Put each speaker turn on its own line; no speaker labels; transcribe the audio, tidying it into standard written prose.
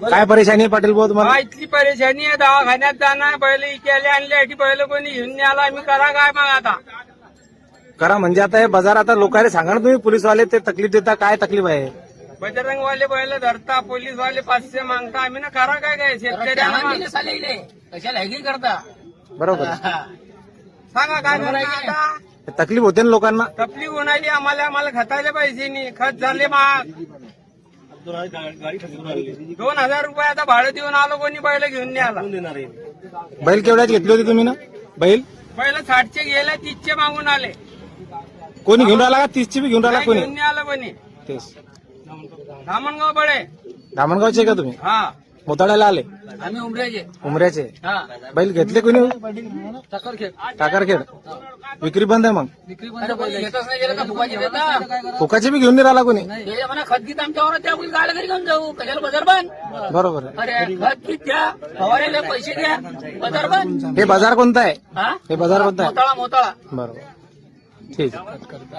काय परेशानी आहे पाटील भाऊ तुम्हाला?
इथली परेशानी आहे, दवाखान्यात जाणार बैल इकडे आणले की बैल कोणी घेऊन नाही आला, आम्ही करा काय मग आता?
करा म्हणजे आता हे बाजार आता लोकांना सांगा ना तुम्ही, पोलीसवाले ते तकलीफ देता, काय तकलीफ आहे?
बजरंगवाले बैल धरता, पोलीसवाले 500 मागता, आम्ही ना करा काय शेतकऱ्यांना
कशाला हॅगिंग करता?
बरोबर
सांगा काय करायचं आता?
तकलीफ होते ना लोकांना.
तकलीफ होणारी आम्हाला खताले पैसे नाही, खत झाले महाग. 2000 रुपये आता भाडं देऊन आलो, कोणी बैल घेऊन नाही आला.
बैल केवढ्यात घेतली होती तुम्ही ना? बैल
60चे गेले, 30चे मागून आले.
कोणी घेऊन राहिला का? 30ची बी घेऊन राहिला
नाही
कोणी?
घेऊन नाही आलं कोणी.
तेच
धामणगाव बळे.
धामणगावचे का तुम्ही?
हा,
मोताळ्याला आले?
आम्ही उमऱ्याचे.
उमऱ्याचे.
हा,
बैल घेतले कोणी?
टाकरखेड.
टाकारखेड. विक्री बंद आहे मग?
विक्री बंद. घेतच नाही गेलं का फुकाची देता?
फुकाचे बी घेऊन नाही राहिला कोणी?
हे म्हणा खत गीत आमच्यावर त्या गाड्या घरी घेऊन जाऊ, कशाला बाजार बंद?
बरोबर आहे.
अरे खत गीत द्या, फवाऱ्याला पैसे द्या, बाजार बंद.
हे बाजार कोणता आहे?
हा,
हे बाजार कोणता आहे?
मोताळा.
बरोबर, ठीक आहे.